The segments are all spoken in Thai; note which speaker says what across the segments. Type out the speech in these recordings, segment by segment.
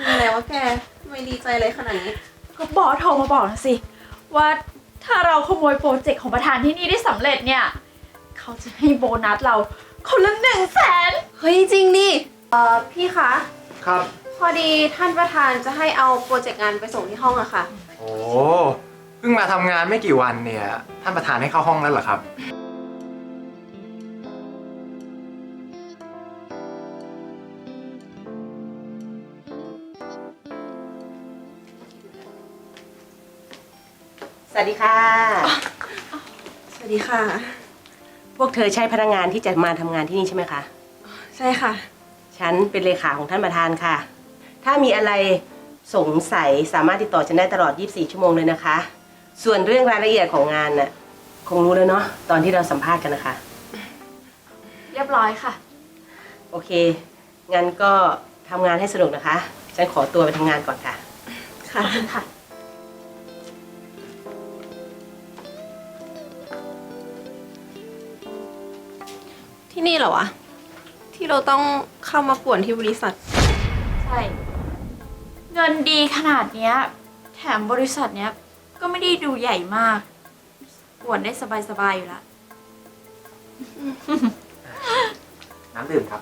Speaker 1: อะไรวะแกทำไมดีใจเลยขนาดนี้
Speaker 2: ก็บอสโทรมาบอกนะสิว่าถ้าเราขโมยโปรเจกต์ของประธานที่นี่ได้สำเร็จเนี่ยเขาจะให้โบนัสเราคนละ100,000
Speaker 1: เฮ้ยจริงดิพี่คะ
Speaker 3: ครับ
Speaker 1: พอดีท่านประธานจะให้เอาโปรเจกต์งานไปส่งที่ห้องอะค่ะ
Speaker 3: โอ้เพิ่งมาทำงานไม่กี่วันเนี่ยท่านประธานให้เข้าห้องแล้วเหรอครับ
Speaker 4: สวัสดีค่ะ
Speaker 1: สวัสดีค่ะ
Speaker 4: พวกเธอใช่พนักงานที่จะมาทำงานที่นี่ใช่ไหมคะ
Speaker 1: ใช่ค่ะ
Speaker 4: ฉันเป็นเลขาของท่านประธานค่ะ ถ้ามีอะไรสงสัยสามารถติดต่อฉันได้ตลอด 24 ชั่วโมงเลยนะคะ ส่วนเรื่องรายละเอียดของงานน่ะคงรู้แล้วเนาะตอนที่เราสัมภาษณ์กันนะคะ
Speaker 2: เรียบร้อยค่ะ
Speaker 4: โอเค งั้นก็ทำงานให้สนุกนะคะ ฉันขอตัวไปทำงานก่อนค่ะ
Speaker 1: ค่ะ
Speaker 2: ค่ะ
Speaker 1: ที่นี่เหรอวะ ที่เราต้องเข้ามาป่วนที่บริษัท
Speaker 2: ใช่ เงินดีขนาดเนี้ยแถมบริษัทเนี้ยก็ไม่ได้ดูใหญ่มากปวดได้สบายๆอยู่ละ
Speaker 3: น้ำดื่มครับ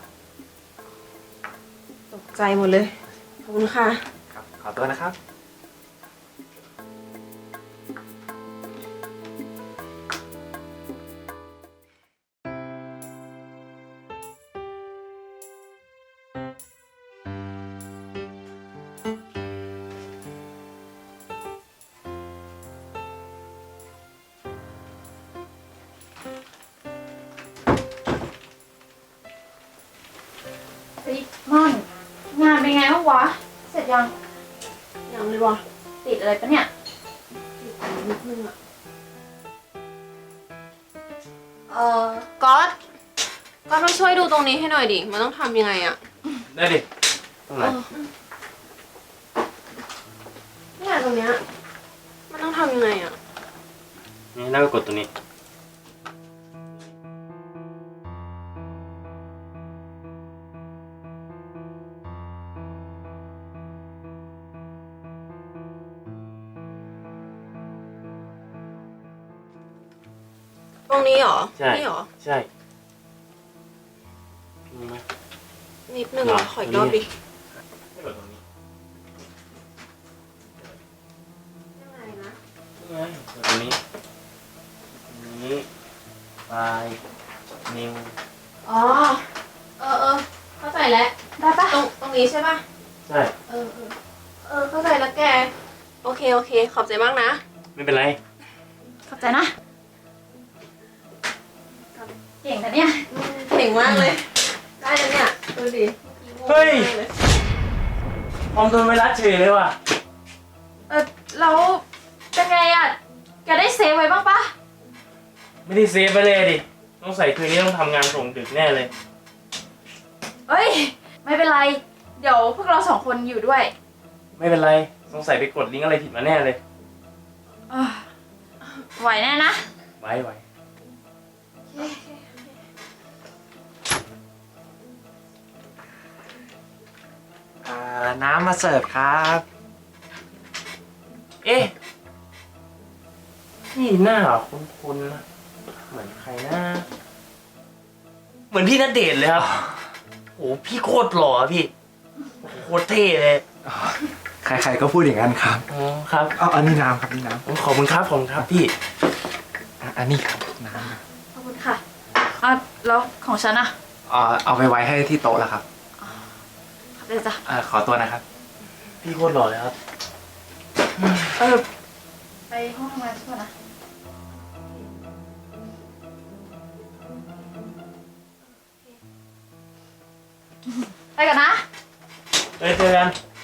Speaker 1: ตกใจหมดเลย ขอบคุณค่ะ
Speaker 3: ครับ ขอตัวนะครับ
Speaker 2: เฮ้ยม่อนงานเป็นไงบ้างวะ เสร็จยัง
Speaker 1: ยังเลยวะ
Speaker 2: ติดอะไรปะเนี่ย
Speaker 1: ติดใจนิดนึงอะก๊อตมาช่วยดูตรงนี้ให้หน่อยดิ มันต้องทำยังไงอะ
Speaker 3: ได้ดิตรงไหน
Speaker 1: เนี่ยตรงเนี้ย มันต้องทำยังไงอะ
Speaker 5: นี่แล้วก็กดตัวนี้
Speaker 1: ตรงนี้เหรอ
Speaker 5: ใช่
Speaker 1: นี่เหรอ
Speaker 5: ใช่พิงไหม
Speaker 1: นิดนึง
Speaker 5: หรอ
Speaker 1: ขออีกรอบดิ
Speaker 5: ให้กดตรงนี้
Speaker 1: ยังไงนะ
Speaker 5: นี่ไงกดตรงนี้ตรงนี้ปลายนิ้ว
Speaker 1: อ๋อ เข้าใจแล้ว
Speaker 2: ได้ปะ
Speaker 1: ตรงนี้ใช่ปะ
Speaker 5: ใช่
Speaker 1: เข้าใจแล้วแก โอเค ขอบใจมากนะ
Speaker 5: ไม่เป็นไร
Speaker 2: ขอบใจนะ เก่งแต่เนี่ย
Speaker 1: เก่งมากเลย ได้แล้วเนี่ย ดูดิ
Speaker 5: เฮ้ย คอมโดนไวรัสเฉยเลยว่ะ
Speaker 2: แล้วเป็นไงอ่ะ แกได้เซฟไว้บ้างปะ
Speaker 5: ไม่ได้เซฟไปเลยดิต้องใส่คืนนี้ต้องทำงานส่งดึกแน่เลย
Speaker 2: เอ้ย ไม่เป็นไร เดี๋ยวพวกเรา2 คนอยู่ด้วย
Speaker 5: ไม่เป็นไรสงสัยไปกดลิงก์อะไรผิดมาแน่เลย
Speaker 2: เอ้อไหวแน่นะ
Speaker 5: ไว้
Speaker 3: น้ำมาเสิร์ฟครับ
Speaker 5: เอ๊ะพี่หน้าคุ้นๆนะเหมือนใครนะเหมือนพี่ณเดชน์เลยครับโอ้พี่โคตรหล่อพี่โอ้โหโคตรเท่เลย
Speaker 3: ใครๆก็พูดอย่างนั้นครับ
Speaker 5: อ๋อครับ
Speaker 3: อันนี้น้ำครับนี่น้
Speaker 5: ขอบคุณครับพี่
Speaker 3: ำอันนี้ครับน้ำนะ
Speaker 2: ขอบคุณค่ะอ่ะแล้วของฉันอ่ะ
Speaker 3: เอาไปไว้ให้ที่โต๊ะแล้วครับ
Speaker 2: ขอบใจจ้ะ
Speaker 3: ขอตัวนะครับ
Speaker 5: พี่โคตรหล่อเลยครับ
Speaker 2: ไปห้องทำงานก่อนนะ ไปกันนะ
Speaker 5: เจอกัน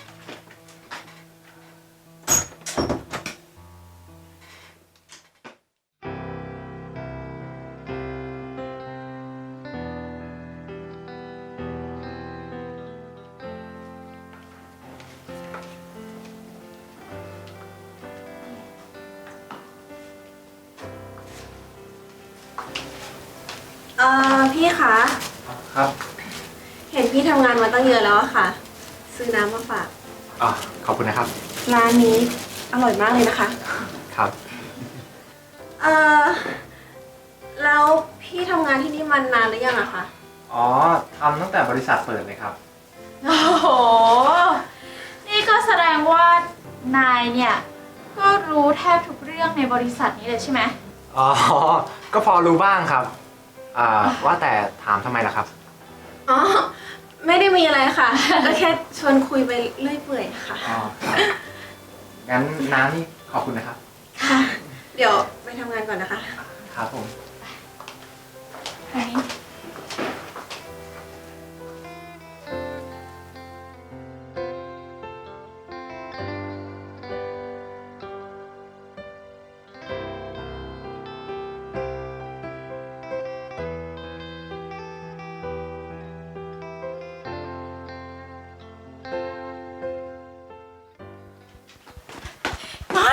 Speaker 1: พี่คะ
Speaker 3: ครับ
Speaker 1: เห็นพี่ทำงานมาตั้งเยอะแล้วอะค่ะ ซื้อน้ำมาฝาก
Speaker 3: อ๋อขอบคุณนะครับ
Speaker 1: ร้านนี้อร่อยมากเลยนะคะ
Speaker 3: ครับ
Speaker 1: เอ่อ แล้วพี่ทำงานที่นี่มานานหรือยังอะคะ
Speaker 3: อ๋อทำตั้งแต่บริษัทเปิดเลยครับ
Speaker 2: โอ้โห นี่ก็แสดงว่านายเนี่ย ก็รู้แทบทุกเรื่องในบริษัทนี้เลยใช่ไหม
Speaker 3: อ๋อ ก็พอรู้บ้างครับว่าแต่ถามทำไมล่ะครับ
Speaker 1: อ๋อ ไม่ได้มีอะไรค่ะ ก็แค่ชวนคุยไปเรื่อยเปื่อยค่ะ
Speaker 3: อ๋อครับงั้นน้ำนี่ขอบคุณนะครับ
Speaker 1: ค่ะ เดี๋ยวไปทำงานก่อนนะคะ
Speaker 3: ครับผม
Speaker 2: อันนี้ มัน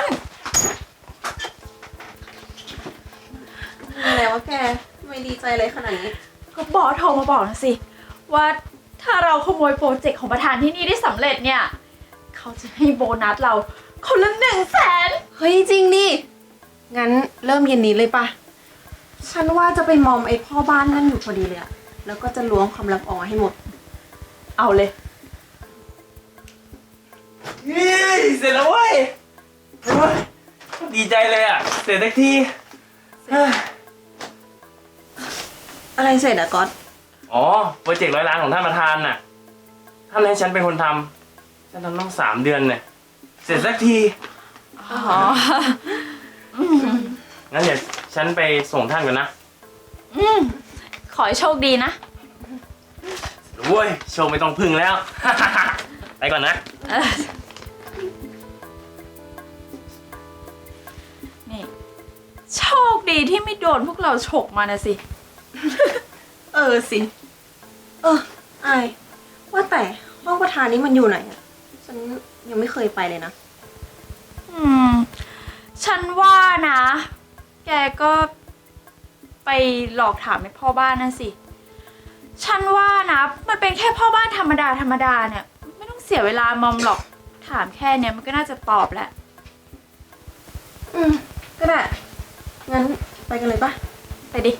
Speaker 1: อะไรวะแกทำไมดีใจเลยขนาดนี้
Speaker 2: ก็บอสโทรมาบอกนะสิ ว่าถ้าเราขโมยโปรเจกต์ของประธานที่นี่ได้สำเร็จเนี่ย เขาจะให้โบนัสเราคนละ100,000
Speaker 1: เฮ้ยจริงดิ งั้นเริ่มเย็นนี้เลยปะ ฉันว่าจะไปมอมไอ้พ่อบ้านนั่นอยู่พอดีเลยอะแล้วก็จะล้วงความลับออกมาให้หมด
Speaker 2: เอาเลย
Speaker 5: นี่เสร็จแล้วเว้ยโอ้ยดีใจเลยอ่ะ เสร็จสักทีเฮ้ย
Speaker 1: อะไรเสร็จอะก๊อต
Speaker 5: อ๋อ โปรเจกต์100 ล้านของท่านประธานน่ะ ท่านให้ฉันเป็นคนทำฉันทำต้อง3 เดือนเนี่ย เสร็จสักที
Speaker 2: อ๋อ
Speaker 5: งั้นเดี๋ยวฉันไปส่งท่านก่อนนะ
Speaker 2: ขอให้โชคดีนะ
Speaker 5: โว้ย โชว์ไม่ต้องพึ่งแล้ว ไปก่อนนะ
Speaker 2: นี่โชคดีที่ไม่โดนพวกเราฉกมานะสิ
Speaker 1: เออสิ ไอายว่าแต่ห้องประธานนี้มันอยู่ไหนอะฉันยังไม่เคยไปเลยนะ
Speaker 2: อืม ฉันว่านะ แกก็ไปหลอกถามไอ้พ่อบ้านนั่นสิ ฉันว่านะ มันเป็นแค่พ่อบ้านธรรมดาธรรมดาเนี่ย ไม่ต้องเสียเวลามอมหรอก ถามแค่เนี้ยมันก็น่าจะตอบแหละ
Speaker 1: ก็ได้ งั้นไปกันเลยปะ
Speaker 2: ไปดิ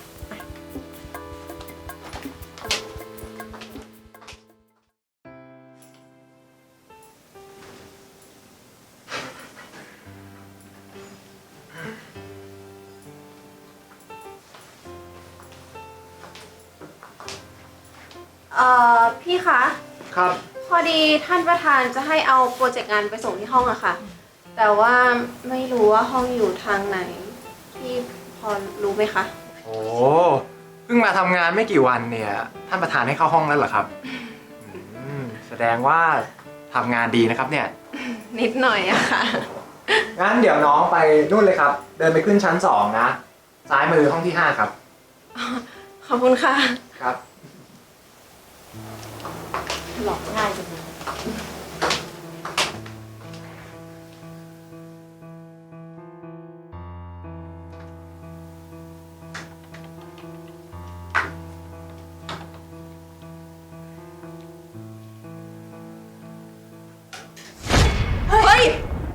Speaker 1: พี่คะ
Speaker 3: ครับ
Speaker 1: พอดีท่านประธานจะให้เอาโปรเจกต์งานไปส่งที่ห้องอะค่ะ แต่ว่าไม่รู้ว่าห้องอยู่ทางไหน พี่พอรู้ไหมคะ
Speaker 3: โอ้เพิ่งมาทำงานไม่กี่วันเนี่ย ท่านประธานให้เข้าห้องแล้วเหรอครับแสดงว่าทำงานดีนะครับเนี่ย
Speaker 1: นิดหน่อยอะค่ะ
Speaker 3: งั้นเดี๋ยวน้องไปนู่นเลยครับ เดินไปขึ้นชั้น2นะ ซ้ายมือห้องที่5ครับ
Speaker 1: ขอบคุณค่ะ
Speaker 3: ครับ
Speaker 2: หลอกง่ายจังเลย
Speaker 1: เฮ้ย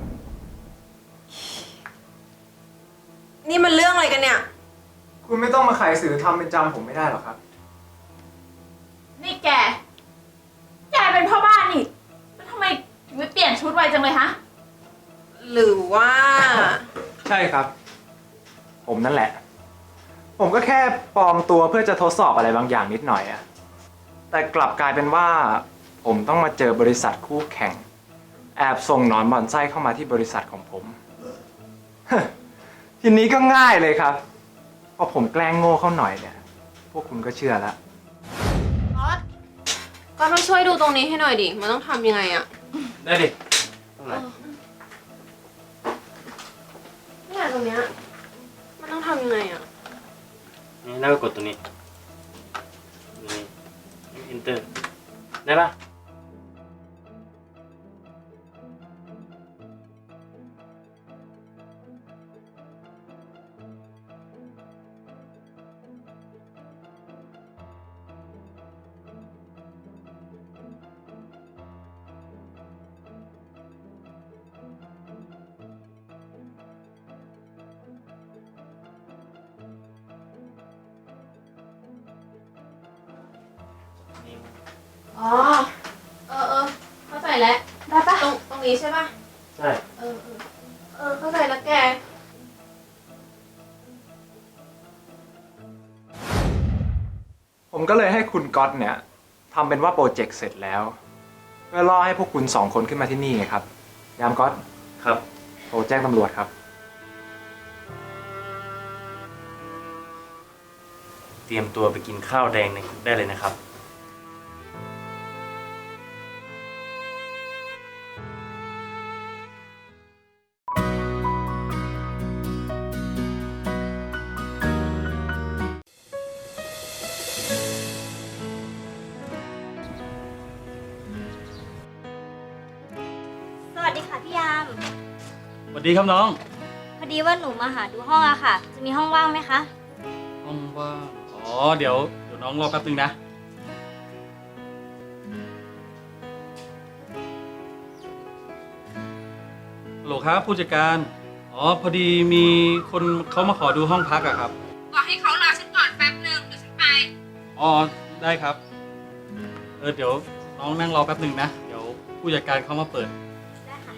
Speaker 1: นี่มันเรื่องอะไรกันเนี่ย
Speaker 3: คุณไม่ต้องมาไขสื่อทำเป็นจำผมไม่ได้หรอกครับ
Speaker 2: นี่แก แกเป็นพ่อบ้านนี่ แล้วทำไมถึงไม่เปลี่ยนชุดไวจังเลยฮะ
Speaker 1: หรือว่า
Speaker 3: ใช่ครับ ผมนั่นแหละ ผมก็แค่ปลอมตัวเพื่อจะทดสอบอะไรบางอย่างนิดหน่อยอะแต่กลับกลายเป็นว่า ผมต้องมาเจอบริษัทคู่แข่ง แอบส่งหนอนบ่อนไส้เข้ามาที่บริษัทของผม ทีนี้ก็ง่ายเลยครับ พอผมแกล้งโง่เข้าหน่อยเนี่ย พวกคุณก็เชื่อแล้ว
Speaker 1: ก็ต้องช่วยดูตรงนี้ให้หน่อยดิ มันต้องทำยังไงอะ
Speaker 5: ได้ดิ ตรงไหน
Speaker 1: เนี่ยตรงเนี้ย มันต้องทำยังไงอะ
Speaker 5: นี่แล้วก็กดตัวนี้ นี่ enter ได้ปะ
Speaker 1: อ๋อ เข้าใจแล้ว
Speaker 2: ได้ปะ
Speaker 1: ตรงนี้ใช่ปะ
Speaker 5: ใช่
Speaker 1: เข้าใจแล้วแก
Speaker 3: ผมก็เลยให้คุณก๊อตเนี่ยทำเป็นว่าโปรเจกต์เสร็จแล้ว เพื่อล่อให้พวกคุณ2 คนขึ้นมาที่นี่ไงครับ ยามก๊อต
Speaker 5: ครับ
Speaker 3: โทรแจ้งตำรวจครับ
Speaker 5: เตรียมตัวไปกินข้าวแดงในคุกได้เลยนะครับ
Speaker 6: สวัสดีค่ะพี่ยาม
Speaker 7: สวัสดีครับน้อง
Speaker 6: พอดีว่าหนูมาหาดูห้องอะค่ะ จะมีห้องว่างไหมคะ
Speaker 7: ห้องว่างอ๋อ เดี๋ยวน้องรอแป๊บนึงนะฮัลโหลครับผู้จัดการ อ๋อ พอดีมีคนเขามาขอดูห้องพักอะครับ
Speaker 1: บอกให้เขารอฉันก่อนแป๊บนึงเดี๋ยวฉันไป
Speaker 7: อ๋อ ได้ครับ เดี๋ยวน้องนั่งรอแป๊บนึงนะ เดี๋ยวผู้จัดการเขามาเปิด
Speaker 6: ได้ค่ะ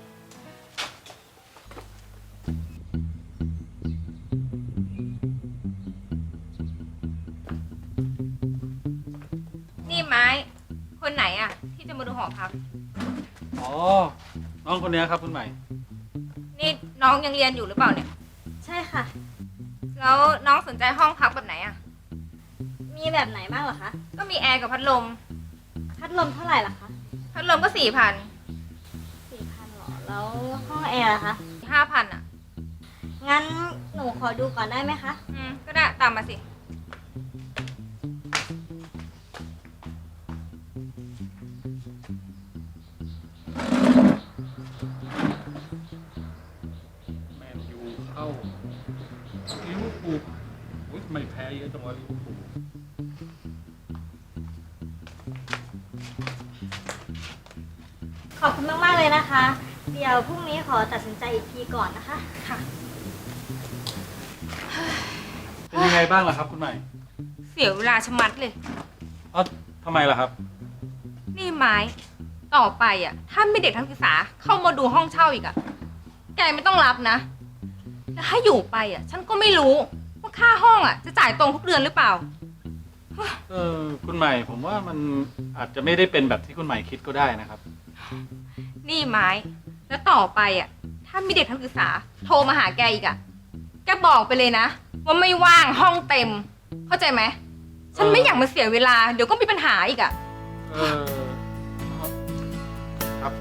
Speaker 1: นี่ไม้ คนไหนอะที่จะมาดูหอพัก
Speaker 7: อ๋อ น้องคนนี้ครับคุณใหม่
Speaker 1: นี่น้องยังเรียนอยู่หรือเปล่าเนี่ย
Speaker 6: ใช่ค่ะ
Speaker 1: แล้วน้องสนใจห้องพักแบบไหนอะ
Speaker 6: มีแบบไหนบ้างเหรอคะ
Speaker 1: ก็มีแอร์กับพัดลม
Speaker 6: พัดลมเท่าไหร่ล่ะคะ
Speaker 1: พัดลมก็4,000
Speaker 6: 4,000หรอ แล้วห้องแอร์ล่ะคะ
Speaker 1: 5,000อะ
Speaker 6: งั้นหนูขอดูก่อนได้ไหมคะ
Speaker 1: ก็ได้ตามมาสิ
Speaker 7: แมนยูเข้าลิเวอร์พูลอุ๊ยไม่แพ้เยอะจังวะลิเวอร์พูล
Speaker 6: ขอบคุณมากๆเลยนะคะ เดี๋ยวพรุ่งนี้ขอตัดสินใจอีกทีก่อนนะคะ
Speaker 1: ค่ะ
Speaker 7: เป็นยังไงบ้างล่ะครับคุณใหม่
Speaker 1: เสียเวลาชะมัดเลย
Speaker 7: อ๋อทำไมล่ะครับ
Speaker 1: นี่ไม้ ต่อไปอะถ้ามีเด็กนักศึกษาเข้ามาดูห้องเช่าอีกอะแกไม่ต้องรับนะ แล้วถ้าอยู่ไปอะฉันก็ไม่รู้ว่าค่าห้องอะจะจ่ายตรงทุกเดือนหรือเปล่า
Speaker 7: คุณใหม่ผมว่ามันอาจจะไม่ได้เป็นแบบที่คุณใหม่คิดก็ได้นะครับ
Speaker 1: นี่ไม้ แล้วต่อไปอะถ้ามีเด็กนักศึกษาโทรมาหาแกอีกอะแกบอกไปเลยนะ ว่าไม่ว่างห้องเต็ม เข้าใจไหม ฉันไม่อยากมาเสียเวลา เดี๋ยวก็มีปัญหาอีกอะ
Speaker 7: เออครับ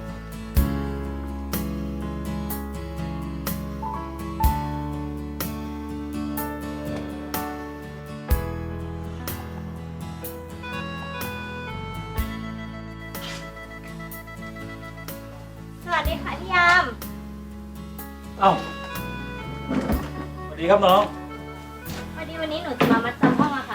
Speaker 6: สวัสดีค่ะพี่ยาม
Speaker 7: เอ้าสวัสดีครับน้อง
Speaker 6: พอดีวันนี้หนูจะมามัดจำห้องอะค่ะ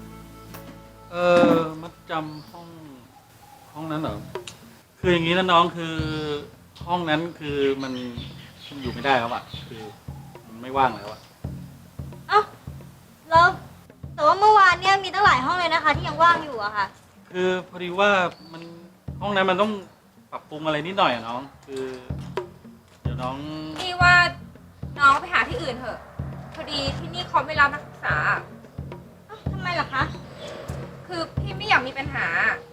Speaker 7: มัดจำห้องนั้นเหรอ คืออย่างนี้นะน้องคือห้องนั้นคือมันอยู่ไม่ได้แล้วอะคือมันไม่ว่างแล้วอะ
Speaker 6: เอ้า แล้วแต่ว่าเมื่อวานเนี่ยมีตั้งหลายห้องเลยนะคะ ที่ยังว่างอยู่อะค่ะ
Speaker 7: คือพอดีว่ามันห้องนั้นมันต้องปรับปรุงอะไรนิดหน่อยอะน้อง คือเดี๋ยวน้อง
Speaker 1: นี่ว่าน้องไปหาที่อื่นเถอะ พอดีที่นี่เขาไม่รับนักศึกษา
Speaker 6: เอ้าทำไมล่ะคะ
Speaker 1: คือพี่ไม่อยากมีปัญหา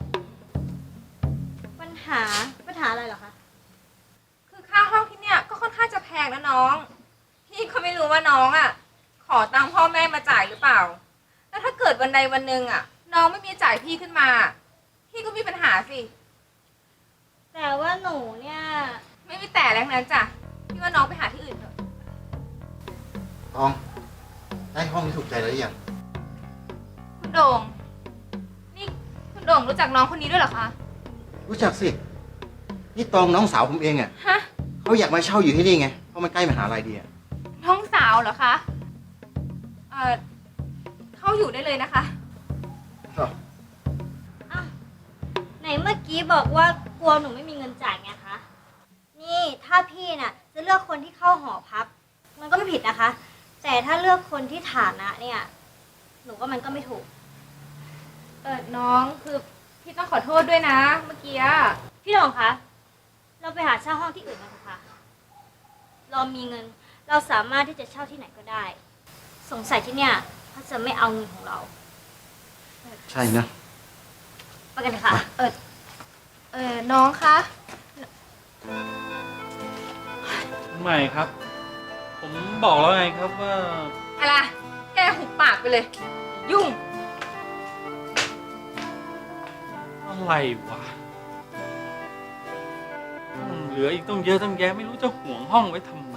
Speaker 6: ปัญหาอะไรเหรอคะ
Speaker 1: คือค่าห้องที่เนี่ยก็ค่อนข้างจะแพงนะน้อง พี่ก็ไม่รู้ว่าน้องอ่ะ ขอตังค์พ่อแม่มาจ่ายหรือเปล่า แล้วถ้าเกิดวันใดวันหนึ่งอ่ะ น้องไม่มีจ่ายพี่ขึ้นมา พี่ก็มีปัญหาสิ
Speaker 6: แต่ว่าหนูเนี่ย
Speaker 1: ไม่มีแต่แล้วนั้นจ้ะ พี่ว่าน้องไปหาที่อื่นเถอะ
Speaker 8: ตอง ได้ห้องที่ถูกใจแล้วหรือยัง
Speaker 1: คุณโด่ง นี่คุณโด่งรู้จักน้องคนนี้ด้วยเหรอคะ
Speaker 8: รู้จักสิ นี่ตองน้องสาวผมเองอ่ะ
Speaker 1: ฮะ
Speaker 8: เขาอยากมาเช่าอยู่ที่นี่ไง เพราะมันใกล้มหาลัยดีอ่ะ
Speaker 1: น้องสาวเหรอคะ เข้าอยู่ได้เลยนะคะ
Speaker 6: อ้าวไหนเมื่อกี้บอกว่ากลัวหนูไม่มีเงินจ่ายไงคะ นี่ถ้าพี่น่ะ จะเลือกคนที่เข้าหอพัก มันก็ไม่ผิดนะคะ แต่ถ้าเลือกคนที่ฐานะเนี่ย หนูว่ามันก็ไม่ถูก
Speaker 1: น้องคือพี่ต้องขอโทษด้วยนะ เมื่อกี้อะ
Speaker 6: พี่หลงคะ เราไปหาเช่าห้องที่อื่นกันเถอะค่ะ เรามีเงิน เราสามารถที่จะเช่าที่ไหนก็ได้ สงสัยที่เนี่ยเขาจะไม่เอาเงินของเรา
Speaker 8: ใช่นะ
Speaker 6: ไปกันเถอะค่ะ
Speaker 1: น้องคะ
Speaker 7: คุณใหม่ครับ ผมบอกแล้วไงครับว่า
Speaker 1: อะไร แกหุบปากไปเลย ยุ่ง
Speaker 7: อะไรวะเหลืออีกต้องเยอะตั้งแยะไม่รู้จะห่วงห้องไว้ทำไม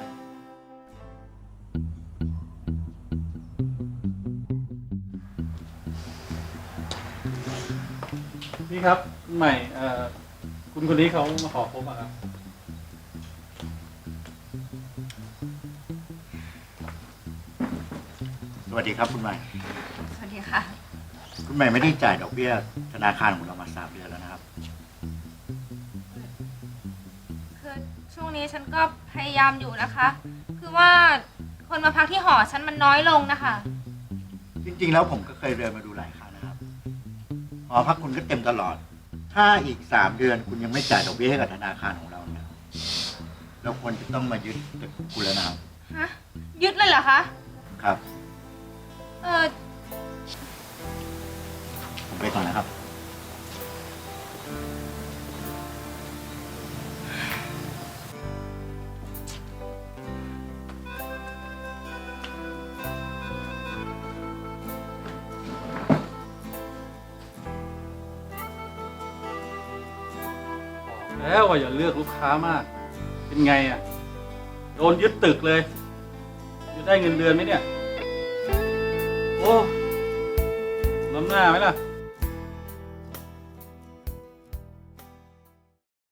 Speaker 7: พี่ครับคุณใหม่คุณคนนี้เขามาขอพบอะครับ
Speaker 8: สวัสดีครับคุณใหม่
Speaker 1: สวัสดีค่ะ
Speaker 8: คุณใหม่ไม่ได้จ่ายดอกเบี้ยธนาคารของเรามา3 เดือนแล้วนะครับ
Speaker 1: คือช่วงนี้ฉันก็พยายามอยู่นะคะ คือว่าคนมาพักที่หอฉันมันน้อยลงนะคะ
Speaker 8: จริงๆแล้วผมก็เคยเดินมาดูหลายครั้งนะครับหอพักคุณก็เต็มตลอด ถ้าอีก3 เดือนคุณยังไม่จ่ายดอกเบี้ยให้กับธนาคารของเราเนี่ยเราควรจะต้องมายึดตึกของคุณแล้วนะครับ
Speaker 1: ฮะ ยึดเลยเหรอคะ
Speaker 8: ครับ
Speaker 1: เออ
Speaker 8: ผมไปก่อนนะครับ
Speaker 7: แล้วว่าอย่าเลือกลูกค้ามาก เป็นไงอ่ะ โดนยึดตึกเลย จะได้เงินเดือนไหมเนี่ย โอ้ล้ำหน้าไหมล่ะ